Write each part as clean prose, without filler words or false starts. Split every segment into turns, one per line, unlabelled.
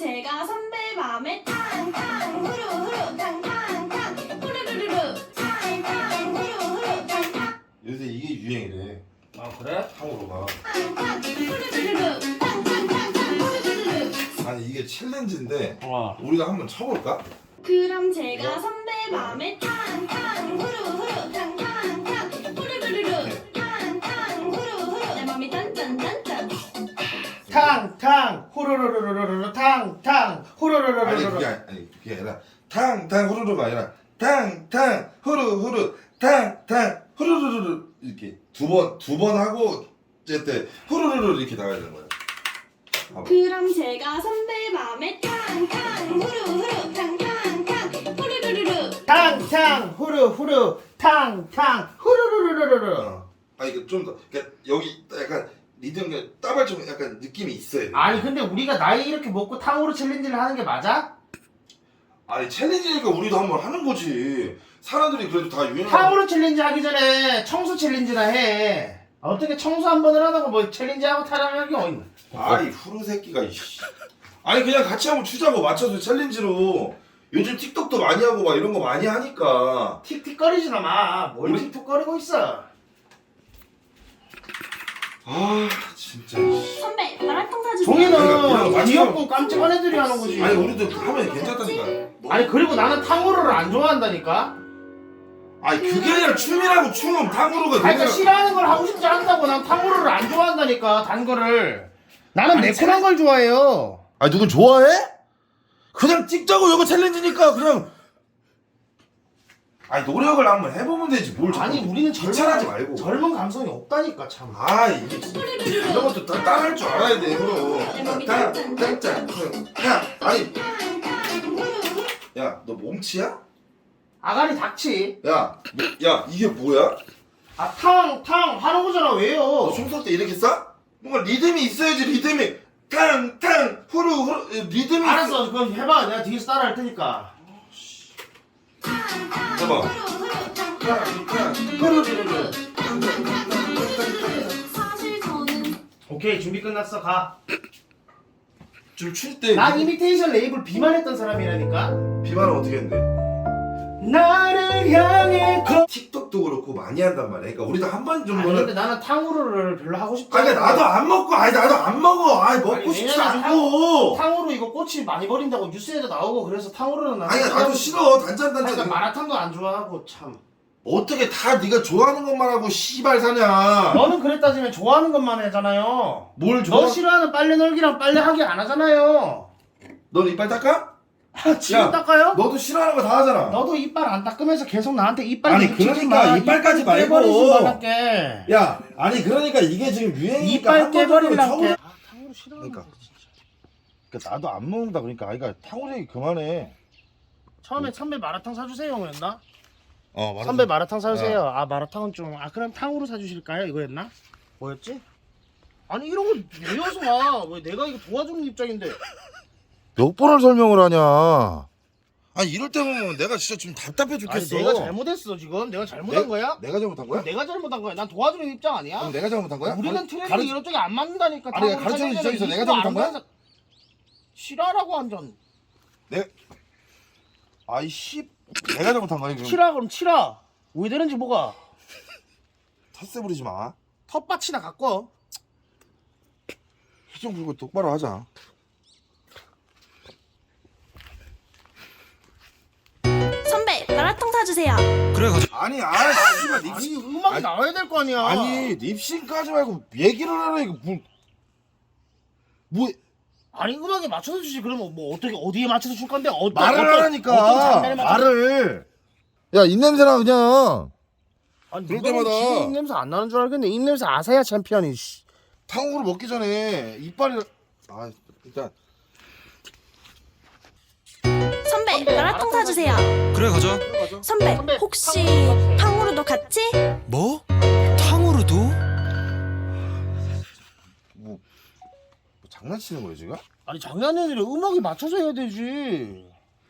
제가 선배 맘에 탕탕 후루후루 탕탕탕 후루루루루 탕탕 후루후루 탕탕
요새 이게 유행이래.
아 그래?
탕후루가.
탕탕 후루루루루 탕탕탕탕 후루루루루.
아니 이게 챌린지인데
와.
우리가 한번 쳐볼까?
그럼 제가 선배 맘에 탕탕 후루후루 탕탕탕 후루루루루 탕탕 후루후루 내 맘이 딴딴딴딴.
탕탕 후루루루루루 탕탕 후루루루루루.
아니 그게 아니라 탕탕 후루루가 아니라 탕탕 후루후루 탕탕 후루루루 이렇게 두 번 하고 어쨌든 후루루루 이렇게 나가야 되는 거야. 봐봐.
그럼 제가 선배 맘에 탕탕 후루후루 탕탕탕 후루루루루.
탕탕 후루후루 탕탕 후루루루루루.
아 이거 좀 더 그러니까 여기 약간 리듬이 따발좀 약간 느낌이 있어야 돼.
아니 근데 우리가 나이 이렇게 먹고 탕후루 챌린지를 하는 게 맞아?
아니 챌린지니까 우리도 한번 하는 거지. 사람들이 그래도 다 유행하는.
탕후루 챌린지 하기 전에 청소 챌린지나 해. 어떻게 청소 한 번을 하다가 뭐 챌린지하고 타령할 게 어딨나?
아이 후루 새끼가 이씨. 아니 그냥 같이 한번 추자고 맞춰서 챌린지로. 요즘 틱톡도 많이 하고 막 이런 거 많이 하니까.
틱틱거리지나 마. 뭘
우리-
틱틱거리고 있어?
아 진짜. 이씨.
선배 마라탕 사주세요.
그러니까
종이는
맞춰.
귀엽고 깜찍한 애들이 하는 거지.
아니 우리도 하면 괜찮다니까.
아니 그리고 나는 탕후루를 안 좋아한다니까.
아니 그게 아니라 춤이라고 춤 탕후루가.
아니 그러니까 싫어하는 걸 하고 싶지 않다고 난 탕후루를 안 좋아한다니까 단 거를. 나는
아니,
매콤한 걸 좋아해요.
아니 누군 좋아해? 그냥 찍자고 이거 챌린지니까 그냥. 아니 노력을 한번 해보면 되지 뭘.
아니
자꾸
우리는
귀찮아하지 말고.
젊은 감성이 없다니까 참.
아 이게 이런 것도 다 따라할 줄 알아야 돼 그럼. 짠짠짠. 야 아니 야 너 몸치야?
아가리 닥치.
야 이게 뭐야?
아 탕 하는 거잖아 왜요?
너 총 쏠 때 이렇게 쏴? 뭔가 리듬이 있어야지 리듬이. 탕탕 후루 리듬이.
알았어 그럼 해봐 내가 뒤에서 따라 할 테니까.
해봐. 탕탕 후루루루.
사실 저는
오케이 준비 끝났어 가.
좀 출 때.
난 이미테이션 레이블 비만했던 사람이라니까.
비만은 어떻게 했는데?
나를 향해
틱톡도 그렇고 많이 한단 말이야. 그러니까 우리도 한 번
아니
정도는.
근데 나는 탕후루를 별로 하고 싶지
아니 그러니까 나도 안 먹고 나도 안 먹어. 아니 먹고
아니,
싶지
왜냐면
않고.
탕후루 이거 꽃이 많이 버린다고 뉴스에도 나오고 그래서 탕후루는 나는
아니 나도 싫어. 단짠.
그러니까 마라탕도 안 좋아하고 참.
어떻게 다 네가 좋아하는 것만 하고 씨발 사냐?
너는 그래 따지면 좋아하는 것만 하잖아요.
뭘 좋아?
너 싫어하는 빨래 널기랑 빨래 하기 안 하잖아요.
넌 이빨 닦아?
아, 지금
야,
닦아요?
너도 싫어하는 거 다 하잖아.
너도 이빨 안 닦으면서 계속 나한테 이빨
아니,
묻히지
그러니까
마.
이빨까지
이빨
말고.
깨버리지 말랄게.
야, 아니 그러니까 이게 지금 유행이니까
이빨
한 번도
깨버리려게.
처음-
아, 탕후루 싫어.
그러니까. 그러니까 나도 안 먹는다 그러니까 아이가 탕후루 얘기 그만해.
처음에 선배 마라탕 사주세요 였나?
맞아.
선배 마라탕 사주세요. 아 마라탕은 좀. 아 그럼 탕후루 사주실까요? 이거였나? 뭐였지? 아니 이런 거 외워서 와. 왜 내가 이거 도와주는 입장인데.
몇 번을 설명을 하냐? 아니 이럴 때 보면 내가 진짜 좀 답답해
아니
죽겠어.
내가 잘못했어 지금. 내가 잘못한 거야?
내가 잘못한 거야?
내가 잘못한 거야. 난 도와주는 입장 아니야?
그럼 내가 잘못한 거야?
우리는 트레이닝 이런 쪽이 안 맞는다니까.
아니,
탕후루
가르쳐준
사주세요.
입장에서 내가
이거 안
잘못한 거야?
보여서- 싫어하라고 완전.
아이 씨, 내가 잘못한 거야 지금.
치라 그럼 치라. 왜 되는지 뭐가?
텃세 부리지 마.
텃밭이나 갖고 와.
희정 불고 똑바로 하자.
선배 마라탕 사주세요.
그래 가자. 아니 씨발
아니
립싱.
음악이
아니,
나와야 될 거 아니야.
아니 립싱까지 말고 얘기를 하라 이거 뭐
아니 음악에 맞춰서 주지. 그러면 뭐 어떻게 어디에 맞춰서 줄 건데?
말을
어떤
하라니까.
장면에 맞춰서-
말을. 야 입냄새나 그냥.
아니
그럴
누가
때마다.
보면 입냄새 안 나는 줄 알겠네. 입냄새 아세야 챔피언이. 씨.
탕후루 먹기 전에 이빨이. 아 일단.
선배 마라탕 사주세요.
그래 가자.
선배
선배,
혹시
탕후루
탕후루도 같이?
뭐? 탕후루도?
뭐 장난치는 거야 지금?
아니 장난이 아니라 음악에 맞춰서 해야 되지.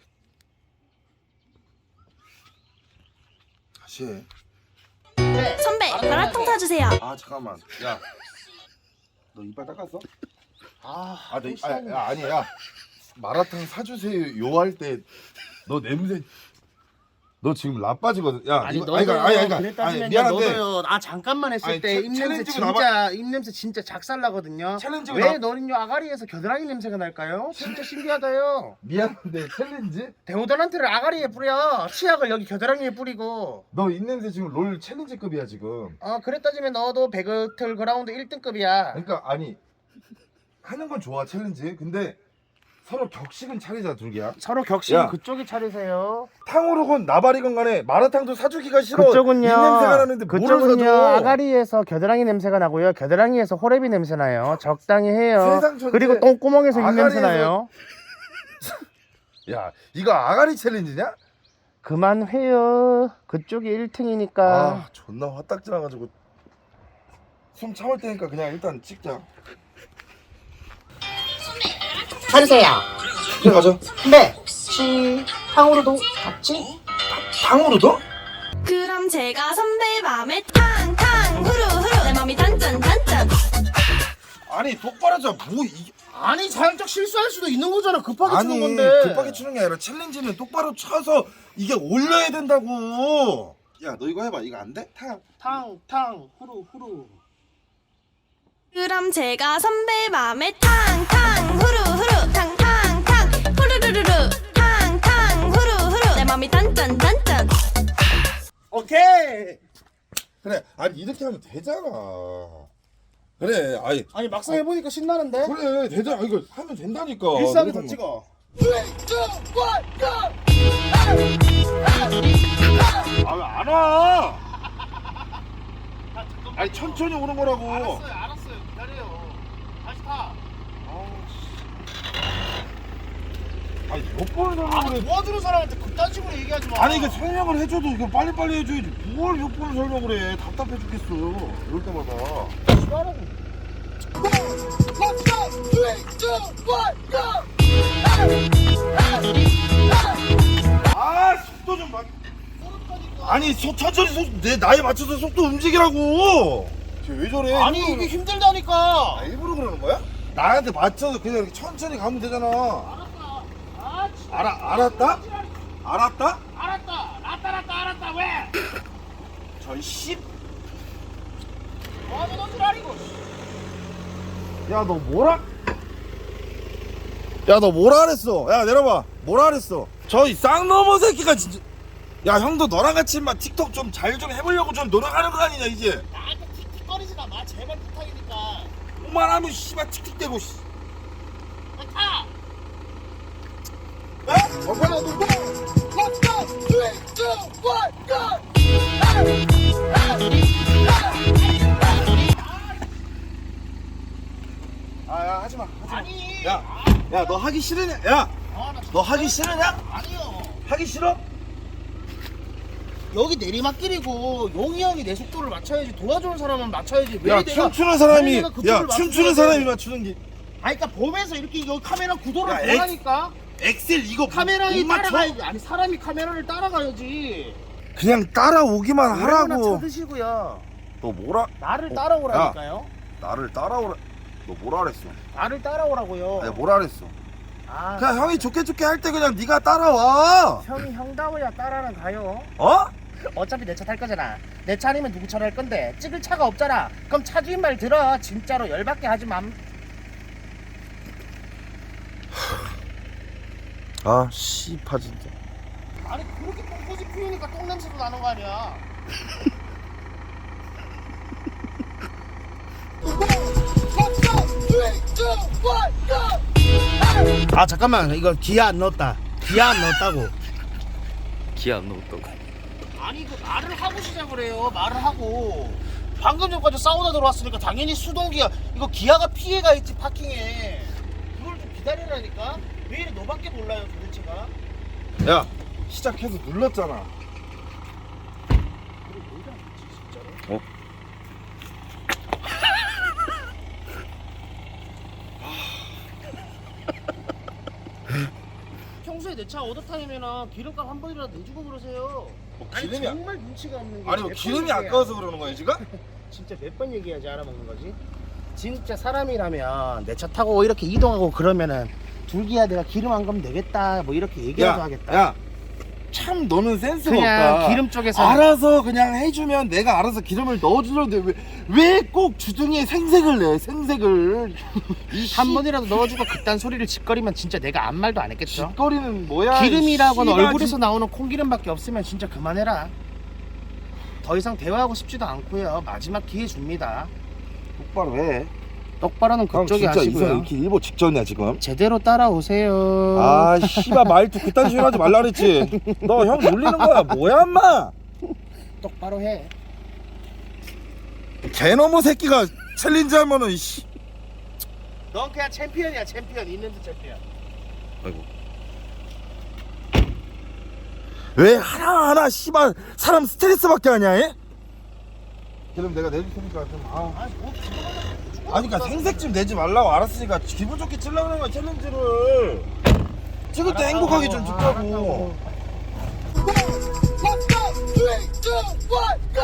다시 해.
선배 마라탕 사주세요.
아 잠깐만. 야. 너 이빨 닦았어?
아,
너 아니야. 마라탕 사주세요 요 할 때 너 냄새 너 지금 라빠지거든. 야
아니
이거
너도
아니,
그랬다지면
미안한데
너도요. 아 잠깐만 했을
아니,
때
챌린지가
입냄새 진짜 작살나거든요.
챌린지가
왜 너는요 아가리에서 겨드랑이 냄새가 날까요? 진짜 신기하다요.
미안한데 챌린지?
데오드란트를 아가리에 뿌려. 치약을 여기 겨드랑이에 뿌리고.
너 입냄새 지금 롤 챌린지급이야 지금.
그랬다지면 너도 배그틀 그라운드 1등급이야.
그러니까 아니 하는 건 좋아 챌린지. 근데 서로 격식은 차리자 둘기야.
서로 격식은
야.
그쪽이 차리세요.
탕후루건 나발이건 간에 마라탕도 사주기가 싫어.
그쪽은요.
입냄새가 나는데 뭐를
그쪽은요.
사줘.
아가리에서 겨드랑이 냄새가 나고요. 겨드랑이에서 호레비 냄새 나요. 적당히 해요.
세상 천재.
그리고 똥구멍에서 입냄새
아가리에서-
나요.
야 이거 아가리 챌린지냐?
그만해요. 그쪽이 1등이니까.
아 존나 화딱지 나가지고 숨 참을 테니까 그냥 일단 찍자.
사주세요.
그래 가자.
네. 혹시 탕후루도 같이?
탕후루도?
그럼 제가 선배 맘에 탕탕 후루후루 내 맘이 단짠 단짠.
아니 똑바로 자. 뭐 이게
아니 살짝 실수할 수도 있는 거잖아. 급하게
아니
주는 건데.
급하게 추는 게 아니라 챌린지는 똑바로 쳐서 이게 올려야 된다고. 야 너 이거 해봐. 이거 안 돼?
탕 후루.
그럼 제가 선배 맘에 탕탕 후루후루 탕탕탕 후루루루루 탕탕 후루후루 내 맘이 단짠 단짠.
오케이.
그래. 아니 이렇게 하면 되잖아. 그래.
아니 막상 해보니까 신나는데.
그래 되잖아. 이거 하면 된다니까.
일상에
너가
더 찍어.
아 왜 안 와? 아니 천천히 오는 거라고.
알았어요. 기다려요. 다시 타.
아니 몇 번을 설명을 해.
도와주는 사람한테 그딴 식으로 얘기하지 마.
아니 이거 설명을 해줘도 이거 빨리빨리 해줘야지. 뭘 몇 번을 설명을 해. 답답해 죽겠어. 이럴 때마다.
싫어하라고.
아 속도 좀 봐. 아니 천천히 내 나이에 맞춰서 속도 움직이라고. 쟤왜 저래?
아니
일부러
이게 힘들다니까.
일부러 그러는 거야? 나한테 맞춰서 그냥 이렇게 천천히 가면 되잖아.
알았다. 아, 진짜.
알았다? 알았다?
알았다. 왜?
저 씨.
뭐하면 너줄 알이고.
야 너 뭐라? 야 너 뭐라 그랬어? 야 내려봐. 뭐라 그랬어? 저 이 쌍놈의 새끼가 진짜. 야 형도 너랑 같이 막 틱톡 좀 잘 좀 해보려고 좀 노력하는 거 아니냐 이제.
나한테 틱틱거리지나 마. 제발 부탁이니까.
그만하면 씨발 틱틱대고 씨.
타.
아야 하지마.
아니.
야 너 하기 싫으냐? 야 너 하기 싫으냐?
아니요.
하기 싫어?
여기 내리막길이고 용이 형이 내 속도를 맞춰야지. 도와주는 사람은 맞춰야지. 왜
야
내가
춤추는 사람이
왜 내가 그쪽을
야
맞춰야
춤추는
돼?
사람이 맞추는 게
아니 그러니까 보면서 이렇게 여기 카메라 구도를
야,
보라니까.
엑셀 이거
카메라에
못 맞춰?
따라가야지. 아니 사람이 카메라를 따라가야지.
그냥 따라오기만
하라고
하라고.
쳐드시고요.
너 뭐라?
나를 따라오라니까요.
나를 따라오라. 너 뭐라 그랬어?
나를 따라오라고요.
아니 뭐라 그랬어?
아,
그냥 형이 좋게 할 때 그냥 네가 따라와.
형이 형다워야 따라는 가요.
어?
어차피 내 차 탈 거잖아. 내 차 아니면 누구 차로 할 건데 찍을 차가 없잖아. 그럼 차 주인 말 들어. 진짜로 열받게 하지 맘.
아 씨파 진짜.
아니 그렇게 똥꼬지 피우니까 똥 냄새도 나는 거 아니야. 아 잠깐만 이거 기아 안 넣었다. 기아 안 넣었다고.
기아 안 넣었다고.
아니 이거 말을 하고 시작을 해요. 말을 하고. 방금 전까지 사우나 들어왔으니까 당연히 수동기아. 이거 기아가 피해가 있지 파킹에. 그걸 좀 기다리라니까. 왜 이래 너밖에 몰라요 도대체가.
야 시작해서 눌렀잖아. 어?
평소에 내 차 오더타임에는 기름값 한 번이라도 내주고 그러세요. 아니
기름이
정말 눈치가 없는 게.
아니 뭐
몇
기름이
번 얘기해야-
아까워서 그러는 거야 지금?
진짜 몇 번 얘기해야지 알아먹는 거지. 진짜 사람이라면 내 차 타고 이렇게 이동하고 그러면은 둘기야 내가 기름 안 가면 되겠다 뭐 이렇게 얘기라도 하겠다.
야, 참 너는 센스가
그냥
없다.
기름 쪽에서
알아서 그냥 해주면 내가 알아서 기름을 넣어주려는데 왜 꼭 주둥이에 생색을 내? 생색을
한 번이라도 넣어주고 그딴 소리를 짓거리면 진짜 내가 아무 말도 안 했겠죠.
짓거리는 뭐야?
기름이라고는
씨발,
얼굴에서 나오는 콩기름밖에 없으면 진짜 그만해라. 더 이상 대화하고 싶지도 않고요. 마지막 기회 줍니다.
똑바로 해.
똑바로는 그쪽이 하시고요.
이렇게 일보 직전이야 지금.
제대로 따라오세요.
아 씨발 말투 그딴 식으로 하지 말라 그랬지. 너 형 놀리는 거야 뭐야 인마?
똑바로 해.
개너머 새끼가 챌린지 하면은 씨.
넌 그냥 챔피언이야. 챔피언. 있는 듯 챔피언.
아이고. 왜 하나하나 씨발 사람 스트레스밖에 하냐 해? 그럼 내가 내줄 테니까 좀
아니 뭐
아니 그니까 생색 좀 내지 말라고 알았으니까 기분 좋게 치려고 하는 거야 챌린지를. 찍을 때 행복하게 좀 찍자고.
알았다고.
Let's go! 3, 2, 1,